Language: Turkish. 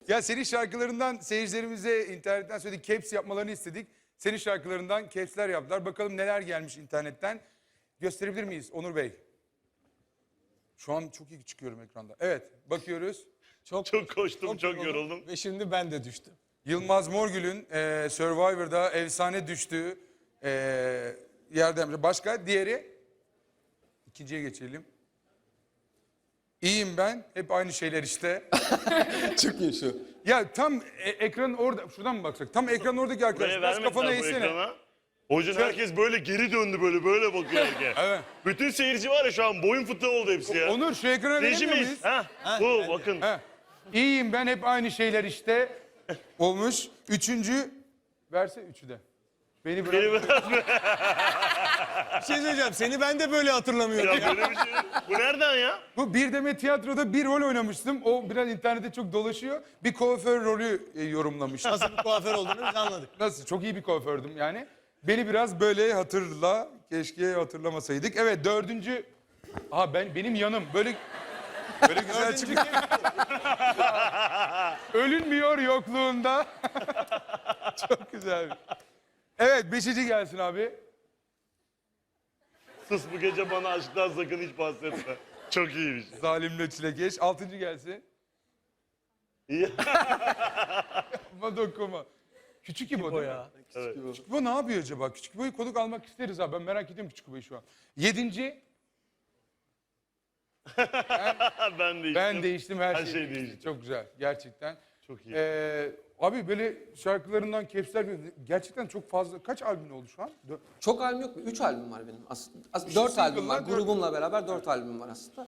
Ya senin şarkılarından seyircilerimize internetten söyledik. Caps yapmalarını istedik. Senin şarkılarından caps'ler yaptılar. Bakalım neler gelmiş internetten. Gösterebilir miyiz Onur Bey? Şu an çok iyi çıkıyorum ekranda. Evet, bakıyoruz. Çok koştum, çok yoruldum. Ve şimdi ben de düştüm. Yılmaz Morgül'ün Survivor'da efsane düştüğü yerden. Başka diğeri? İkinciye geçelim. İyiyim ben. Hep aynı şeyler işte. Çok iyi şu. Ya tam ekranın orada. Şuradan mı baksak? Tam ekranın oradaki arkadaş. Buraya Biraz kafana vermediler bu eğsene. ekrana. O yüzden herkes böyle geri döndü böyle bakıyor herkes. Evet. Bütün seyirci var ya şu an boyun fıtığı oldu hepsi ya. Onur şu ekrana veremiyor Rejimiz. muyuz? Bu bakın. Ha. İyiyim ben hep aynı şeyler işte. Olmuş. Üçüncü. Verse üçü de. Beni bırak. Beni biraz Bir şey söyleyeceğim. Seni ben de böyle hatırlamıyorum. ya böyle bir şey. Bu nereden ya? Bu Bir Demet Tiyatro'da bir rol oynamıştım. O biraz internette çok dolaşıyor. Bir kuaför rolü yorumlamıştım. Nasıl bir kuaför olduğunu biz anladık. Nasıl? Çok iyi bir kuafördüm yani. Beni biraz böyle hatırla. Keşke hatırlamasaydık. Evet dördüncü. Benim yanım. Böyle güzel çıkıyor. Ölünmüyor yokluğunda. Çok güzel. Evet beşinci gelsin abi. Sus bu gece bana aşktan sakın hiç bahsetme. Çok iyi bir şey. Zalimle çilekeş. Altıncı gelsin. İyi. Ama dokunma. Küçük İbo değil mi? Evet. Küçük İbo ne yapıyor acaba? Küçük İbo'yu konuk almak isteriz abi. Ben merak ediyorum Küçük İbo'yu şu an. Yedinci. Ben değiştim. Ben değiştim her, Her şey şey değişti. değişti. Çok güzel gerçekten. Çok iyi. Abi böyle şarkılarından caps'ler gerçekten çok fazla. Kaç albüm oldu şu an? Çok albüm yok mu? 3 albüm var benim aslında. İşte 4 albüm var. single'lar, dört. Grubumla beraber 4 albüm var aslında.